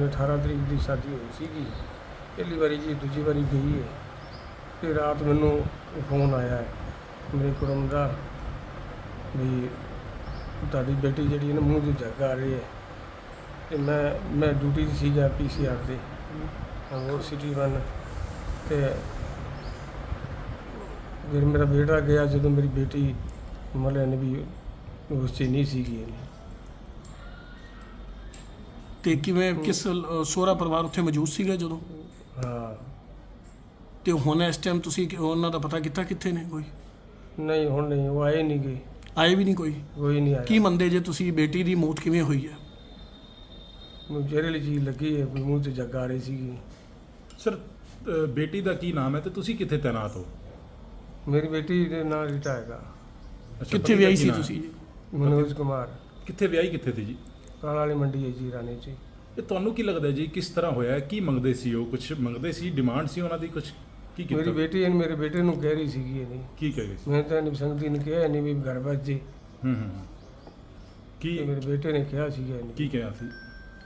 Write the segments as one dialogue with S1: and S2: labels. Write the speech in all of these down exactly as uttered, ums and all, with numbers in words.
S1: मेरे अठारह तरीक की शादी हुई सी पहली बारी जी, दूजी बारी गई है। तो रात मैनू फोन आया है मेरे कुड़म का भी ताड़ी बेटी जी ना मूँह से जग आ रही है। तो मैं मैं ड्यूटी सी गया पी सी आर से और सिटी वन। तो फिर मेरा बेटा गया जो मेरी बेटी मतलब ने भी उस च नहीं सी गई।
S2: ਤੇ ਕਿਵੇਂ ਕਿਸ ਸਹੁਰਾ ਪਰਿਵਾਰ ਉੱਥੇ ਮੌਜੂਦ ਸੀਗਾ ਜਦੋਂ?
S1: ਹਾਂ।
S2: ਤੇ ਹੁਣ ਇਸ ਟਾਈਮ ਤੁਸੀਂ ਉਹਨਾਂ ਦਾ ਪਤਾ ਕੀਤਾ ਕਿੱਥੇ ਨੇ? ਕੋਈ
S1: ਨਹੀਂ ਹੁਣ ਨਹੀਂ, ਉਹ ਆਏ ਨਹੀਂ ਗਏ,
S2: ਆਏ ਵੀ ਨਹੀਂ ਕੋਈ?
S1: ਕੋਈ ਨਹੀਂ ਆਇਆ।
S2: ਕੀ ਮੰਨਦੇ ਜੇ ਤੁਸੀਂ ਬੇਟੀ ਦੀ ਮੌਤ ਕਿਵੇਂ ਹੋਈ ਹੈ?
S1: ਮੈਨੂੰ ਜ਼ਹਿਰੀਲੀ ਚੀਜ਼ ਲੱਗੀ ਹੈ, ਮੂੰਹ 'ਚ ਜੱਗ ਆ ਰਹੀ ਸੀਗੀ।
S3: ਸਰ ਬੇਟੀ ਦਾ ਕੀ ਨਾਮ ਹੈ ਤੇ ਤੁਸੀਂ ਕਿੱਥੇ ਤੈਨਾਤ ਹੋ?
S1: ਮੇਰੀ ਬੇਟੀ ਦੇ ਨਾਲ ਰੀਟਾ ਹੈਗਾ।
S2: ਕਿੱਥੇ ਵਿਆਹੀ ਸੀ ਤੁਸੀਂ?
S1: ਮਨੋਜ ਕੁਮਾਰ।
S3: ਕਿੱਥੇ ਵਿਆਹੀ ਕਿੱਥੇ ਸੀ ਜੀ?
S1: ਕਾਲਾ ਵਾਲੀ ਮੰਡੀ ਹੈ ਜੀ, ਰਾਣੀ 'ਚ।
S3: ਇਹ ਤੁਹਾਨੂੰ ਕੀ ਲੱਗਦਾ ਜੀ ਕਿਸ ਤਰ੍ਹਾਂ ਹੋਇਆ? ਕੀ ਮੰਗਦੇ ਸੀ ਉਹ? ਕੁਝ ਮੰਗਦੇ ਸੀ, ਡਿਮਾਂਡ ਸੀ ਉਹਨਾਂ ਦੀ ਕੁਝ? ਕੀ ਕੀਤਾ?
S1: ਮੇਰੀ ਬੇਟੀ ਇਹਨੇ ਮੇਰੇ ਬੇਟੇ ਨੂੰ ਕਹਿ ਰਹੀ ਸੀਗੀ ਇਹ ਨਹੀਂ
S3: ਕੀ ਕਹਿ ਗਏ ਸੀ?
S1: ਮੈਂ ਤਾਂ ਨਹੀਂ ਸੰਗਤੀ ਨੇ ਕਿਹਾ ਨਹੀਂ ਵੀ ਘਰ ਬਚ ਜੇ।
S3: ਹੂੰ ਹੂੰ ਕੀ
S1: ਤੇ ਮੇਰੇ ਬੇਟੇ ਨੇ ਕਿਹਾ ਸੀਗਾ ਇਹਨੂੰ
S3: ਕੀ ਕਿਹਾ ਸੀ?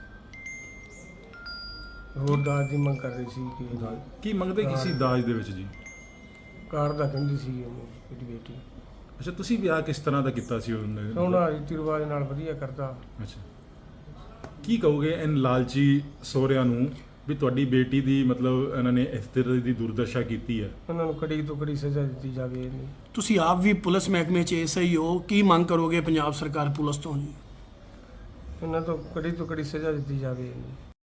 S1: ਹੋਰ ਦਾਜ ਦੀ ਮੰਗ ਕਰ ਰਹੀ ਸੀ ਕਿ
S3: ਕੀ ਮੰਗਦੇ ਕੀ ਸੀ ਦਾਜ ਦੇ ਵਿੱਚ ਜੀ?
S1: ਕਾਰ ਦਾ ਕਹਿੰਦੀ ਸੀ ਇਹਨੂੰ ਮੇਰੀ ਬੇਟੀ।
S3: ਅੱਛਾ, ਤੁਸੀਂ ਵਿਆਹ ਕਿਸ ਤਰ੍ਹਾਂ ਦਾ ਕੀਤਾ ਸੀ ਉਹਨੇ?
S1: ਸੋਹਣਾ ਰੀਤੀ ਰਿਵਾਜ ਨਾਲ ਵਧੀਆ ਕਰਦਾ।
S3: ਅੱਛਾ, ਕੀ ਕਹੋਗੇ ਇਨ ਲਾਲਚੀ ਸਹੁਰਿਆਂ ਨੂੰ ਵੀ ਤੁਹਾਡੀ ਬੇਟੀ ਦੀ ਮਤਲਬ ਇਹਨਾਂ ਨੇ ਇਸ ਤਰ੍ਹਾਂ ਦੀ ਦੁਰਦਸ਼ਾ ਕੀਤੀ ਹੈ?
S1: ਉਹਨਾਂ ਨੂੰ ਕੜੀ ਤੋਂ ਕੜੀ ਸਜ਼ਾ ਦਿੱਤੀ ਜਾਵੇ। ਇਹਨੂੰ
S2: ਤੁਸੀਂ ਆਪ ਵੀ ਪੁਲਿਸ ਮਹਿਕਮੇ 'ਚ ਐਸ ਆਈ ਹੋ, ਕੀ ਮੰਗ ਕਰੋਗੇ ਪੰਜਾਬ ਸਰਕਾਰ ਪੁਲਿਸ ਤੋਂ ਜੀ?
S1: ਇਹਨਾਂ ਤੋਂ ਕੜੀ ਤੋਂ ਕੜੀ ਸਜ਼ਾ ਦਿੱਤੀ ਜਾਵੇ ਇਹਨੂੰ।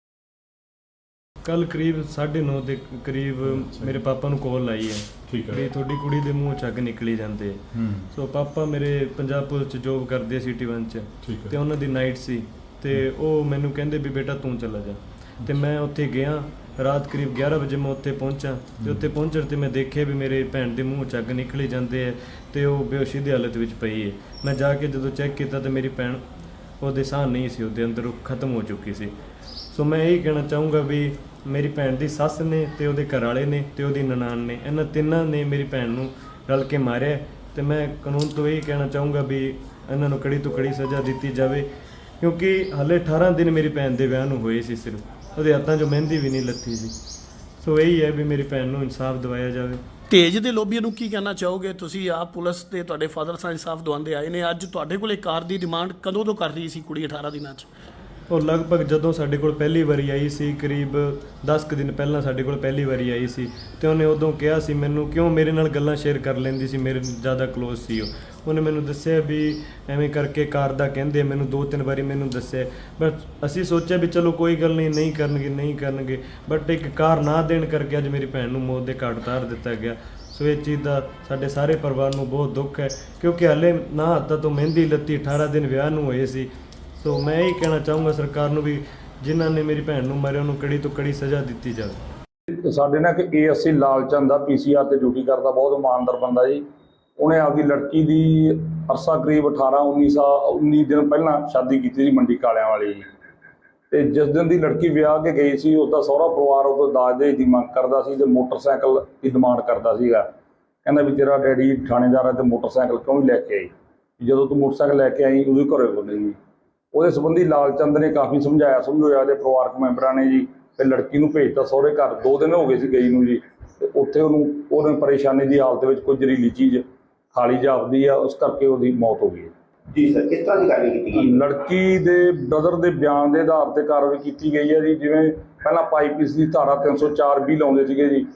S4: ਕੱਲ ਕਰੀਬ ਸਾਢੇ ਨੌ ਦੇ ਕਰੀਬ ਮੇਰੇ ਪਾਪਾ ਨੂੰ ਕਾਲ ਆਈ ਹੈ
S3: ਠੀਕ
S4: ਵੀ
S3: ਹੈ।
S4: ਤੁਹਾਡੀ ਕੁੜੀ ਦੇ ਮੂੰਹ ਚੱਗ ਨਿਕਲੀ ਜਾਂਦੇ।
S3: ਹੂੰ
S4: ਸੋ ਪਾਪਾ ਮੇਰੇ ਪੰਜਾਬ ਪੁਲਿਸ 'ਚ ਜੋਬ ਕਰਦੇ ਸਿਟੀ ਵਨ 'ਚ,
S3: ਠੀਕ ਹੈ।
S4: ਤੇ ਉਹਨਾਂ ਦੀ ਨਾਈਟ ਸੀ ਤੇ ਉਹ ਮੈਨੂੰ ਕਹਿੰਦੇ ਵੀ ਬੇਟਾ ਤੂੰ ਚਲਾ ਜਾ। ਤੇ ਮੈਂ ਉੱਥੇ ਗਿਆ, ਰਾਤ ਕਰੀਬ ਗਿਆਰਾਂ ਵਜੇ ਮੈਂ ਉੱਥੇ ਪਹੁੰਚਾ ਤੇ ਉੱਥੇ ਪਹੁੰਚਣ ਤੇ ਮੈਂ ਦੇਖਿਆ ਵੀ ਮੇਰੇ ਭੈਣ ਦੇ ਮੂੰਹ ਚੱਗ ਨਿਕਲੀ ਜਾਂਦੇ ਹੈ ਤੇ ਉਹ ਬੇਹੋਸ਼ੀ ਦੀ ਹਾਲਤ ਵਿੱਚ ਪਈ ਹੈ। ਮੈਂ ਜਾ ਕੇ ਜਦੋਂ ਚੈੱਕ ਕੀਤਾ ਤੇ ਮੇਰੀ ਭੈਣ ਉਹਦੇ ਸਾਹ ਨਹੀਂ ਸੀ, ਉਹਦੇ ਅੰਦਰ ਉਹ ਖਤਮ ਹੋ ਚੁੱਕੀ ਸੀ। ਸੋ ਮੈਂ ਇਹੀ ਕਹਿਣਾ ਚਾਹੂੰਗਾ ਵੀ ਮੇਰੀ ਭੈਣ ਦੀ ਸੱਸ ਨੇ ਤੇ ਉਹਦੇ ਘਰ ਵਾਲੇ ਨੇ ਤੇ ਉਹਦੀ ਨਨਾਣ ਨੇ, ਇਹਨਾਂ ਤਿੰਨਾਂ ਨੇ ਮੇਰੀ ਭੈਣ ਨੂੰ ਰਲ ਕੇ ਮਾਰਿਆ। ਤੇ ਮੈਂ ਕਾਨੂੰਨ ਤੋਂ ਇਹੀ ਕਹਿਣਾ ਚਾਹੂੰਗਾ ਵੀ ਇਹਨਾਂ ਨੂੰ ਕੜੀ ਤੋਂ ਕੜੀ ਸਜ਼ਾ ਦਿੱਤੀ ਜਾਵੇ, ਕਿਉਂਕਿ ਹਾਲੇ ਅਠਾਰਾਂ ਦਿਨ ਮੇਰੀ ਭੈਣ ਦੇ ਵਿਆਹ ਨੂੰ ਹੋਏ ਸੀ, ਸਿਰਫ ਉਹਦੇ ਹੱਥਾਂ 'ਚੋਂ ਮਹਿੰਦੀ ਵੀ ਨਹੀਂ ਲੱਥੀ ਸੀ। ਸੋ ਇਹੀ ਹੈ ਵੀ ਮੇਰੀ ਭੈਣ ਨੂੰ ਇਨਸਾਫ ਦਿਵਾਇਆ ਜਾਵੇ।
S2: ਤੇਜ ਦੇ ਲੋਬੀਆਂ ਨੂੰ ਕੀ ਕਹਿਣਾ ਚਾਹੋਗੇ? ਤੁਸੀਂ ਆਪ ਪੁਲਿਸ ਤੇ ਤੁਹਾਡੇ ਫਾਦਰ ਸਾਹਿਬ ਇਨਸਾਫ ਦਵਾਉਂਦੇ ਆਏ ਨੇ, ਅੱਜ ਤੁਹਾਡੇ ਕੋਲ ਕਾਰ ਦੀ ਡਿਮਾਂਡ ਕਦੋਂ ਤੋਂ ਕਰ ਰਹੀ ਸੀ ਕੁੜੀ ਅਠਾਰਾਂ ਦਿਨਾਂ 'ਚ?
S4: ਉਹ ਲਗਭਗ ਜਦੋਂ ਸਾਡੇ ਕੋਲ ਪਹਿਲੀ ਵਾਰੀ ਆਈ ਸੀ, ਕਰੀਬ ਦਸ ਕੁ ਦਿਨ ਪਹਿਲਾਂ ਸਾਡੇ ਕੋਲ ਪਹਿਲੀ ਵਾਰੀ ਆਈ ਸੀ, ਤੇ ਉਹਨੇ ਉਦੋਂ ਕਿਹਾ ਸੀ ਮੈਨੂੰ, ਕਿਉਂ ਮੇਰੇ ਨਾਲ ਗੱਲਾਂ ਸ਼ੇਅਰ ਕਰ ਲੈਂਦੀ ਸੀ, ਮੇਰੇ ਜ਼ਿਆਦਾ ਕਲੋਜ਼ ਸੀ ਉਹ। ਉਹਨੇ ਮੈਨੂੰ ਦੱਸਿਆ ਵੀ ਐਵੇਂ ਕਰਕੇ ਕਾਰ ਦਾ ਕਹਿੰਦੇ, ਮੈਨੂੰ ਦੋ ਤਿੰਨ ਵਾਰੀ ਮੈਨੂੰ ਦੱਸਿਆ। ਬਟ ਅਸੀਂ ਸੋਚਿਆ ਵੀ ਚਲੋ ਕੋਈ ਗੱਲ ਨਹੀਂ, ਨਹੀਂ ਕਰਨਗੇ ਨਹੀਂ ਕਰਨਗੇ ਬਟ ਇੱਕ ਕਾਰ ਨਾ ਦੇਣ ਕਰਕੇ ਅੱਜ ਮੇਰੀ ਭੈਣ ਨੂੰ ਮੌਤ ਦੇ ਘਾਟ ਉਤਾਰ ਦਿੱਤਾ ਗਿਆ। ਸੋ ਇਹ ਚੀਜ਼ ਦਾ ਸਾਡੇ ਸਾਰੇ ਪਰਿਵਾਰ ਨੂੰ ਬਹੁਤ ਦੁੱਖ ਹੈ, ਕਿਉਂਕਿ ਹਾਲੇ ਨਾ ਹੱਥਾਂ ਤੋਂ ਮਹਿੰਦੀ ਲੱਤੀ, ਅਠਾਰਾਂ ਦਿਨ ਵਿਆਹ ਨੂੰ ਹੋਏ ਸੀ। ਸੋ ਮੈਂ ਇਹ ਕਹਿਣਾ ਚਾਹੂੰਗਾ ਸਰਕਾਰ ਨੂੰ ਵੀ ਜਿਨ੍ਹਾਂ ਨੇ ਮੇਰੀ ਭੈਣ ਨੂੰ ਮਾਰਿਆ ਉਹਨੂੰ ਕੜੀ ਤੋਂ ਕੜੀ ਸਜ਼ਾ ਦਿੱਤੀ ਜਾਵੇ।
S5: ਸਾਡੇ ਨਾਲ ਇੱਕ ਏ ਐਸ ਆਈ ਲਾਲਚੰਦ ਦਾ ਪੀ ਸੀ ਆਰ ਤੇ ਡਿਊਟੀ ਕਰਦਾ, ਬਹੁਤ ਇਮਾਨਦਾਰ ਬੰਦਾ ਜੀ। ਉਹਨੇ ਆਪਦੀ ਲੜਕੀ ਦੀ ਅਰਸਾ ਕਰੀਬ ਅਠਾਰਾਂ ਉੱਨੀ ਸਾਲ ਉੱਨੀ ਦਿਨ ਪਹਿਲਾਂ ਸ਼ਾਦੀ ਕੀਤੀ ਸੀ ਮੰਡੀ ਕਾਲਿਆਂ ਵਾਲੀ ਜੀ। ਤੇ ਜਿਸ ਦਿਨ ਦੀ ਲੜਕੀ ਵਿਆਹ ਕੇ ਗਈ ਸੀ ਉਹਦਾ ਸਹੁਰਾ ਪਰਿਵਾਰ ਉਹ ਤੋਂ ਦਾਜ ਦੇ ਦੀ ਮੰਗ ਕਰਦਾ ਸੀ ਤੇ ਮੋਟਰਸਾਈਕਲ ਦੀ ਡਿਮਾਂਡ ਕਰਦਾ ਸੀਗਾ। ਕਹਿੰਦਾ ਵੀ ਤੇਰਾ ਡੈਡੀ ਥਾਣੇਦਾਰ ਹੈ ਤੇ ਮੋਟਰਸਾਈਕਲ ਕਿਉਂ ਨਹੀਂ ਲੈ ਕੇ ਆਈ? ਜਦੋਂ ਤੂੰ ਮੋਟਰਸਾਈਕਲ ਲੈ ਕੇ ਆਈ ਉਹਦੇ ਘਰੇ ਬੋਲੇਗੀ। ਉਹਦੇ ਸੰਬੰਧੀ ਲਾਲਚੰਦ ਨੇ ਕਾਫੀ ਸਮਝਾਇਆ ਸਮਝਾਇਆ ਦੇ ਪਰਿਵਾਰਕ ਮੈਂਬਰਾਂ ਨੇ ਜੀ, ਤੇ ਲੜਕੀ ਨੂੰ ਭੇਜਤਾ ਸਹੁਰੇ ਘਰ। ਦੋ ਦਿਨ ਹੋ ਗਏ ਸੀ ਗਈ ਨੂੰ ਜੀ, ਤੇ ਉੱਥੇ ਉਹਨੂੰ ਉਹਨੇ ਪਰੇਸ਼ਾਨੀ ਦੀ ਹਾਲਤ ਵਿੱਚ ਕੋਈ ਜ਼ਹਿਰੀਲੀ ਚੀਜ਼ ਖਾਲੀ ਜਾਪਦੀ ਆ, ਉਸ ਕਰਕੇ ਉਹਦੀ ਮੌਤ ਹੋ ਗਈ
S6: ਜੀ। ਸਰ ਕਿਸ ਤਰ੍ਹਾਂ ਦੀ ਕਾਰਵਾਈ ਕੀਤੀ ਗਈ?
S5: ਲੜਕੀ ਦੇ ਬ੍ਰਦਰ ਦੇ ਬਿਆਨ ਦੇ ਆਧਾਰ ਤੇ ਕਾਰਵਾਈ ਕੀਤੀ ਗਈ ਹੈ ਜੀ। ਜਿਵੇਂ ਪਹਿਲਾਂ ਪਾਈਪੀਸ ਦੀ ਧਾਰਾ ਤਿੰਨ ਸੌ ਚਾਰ ਵੀ ਲਾਉਂਦੇ ਸੀਗੇ ਜੀ,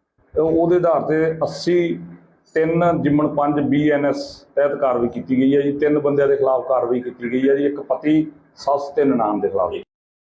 S5: ਉਹਦੇ ਆਧਾਰ ਤੇ ਅੱਸੀ ਤਿੰਨ ਜਿਮਣ ਪੰਜ ਬੀ ਐਨ ਐਸ ਤਹਿਤ ਕਾਰਵਾਈ ਕੀਤੀ ਗਈ ਹੈ ਜੀ। ਤਿੰਨ ਬੰਦਿਆਂ ਦੇ ਖਿਲਾਫ ਕਾਰਵਾਈ ਕੀਤੀ ਗਈ ਹੈ ਜੀ, ਇੱਕ ਪਤੀ, ਸੱਸ ਤੇ ਨਨਾਣ ਦੇ ਖਿਲਾਫ।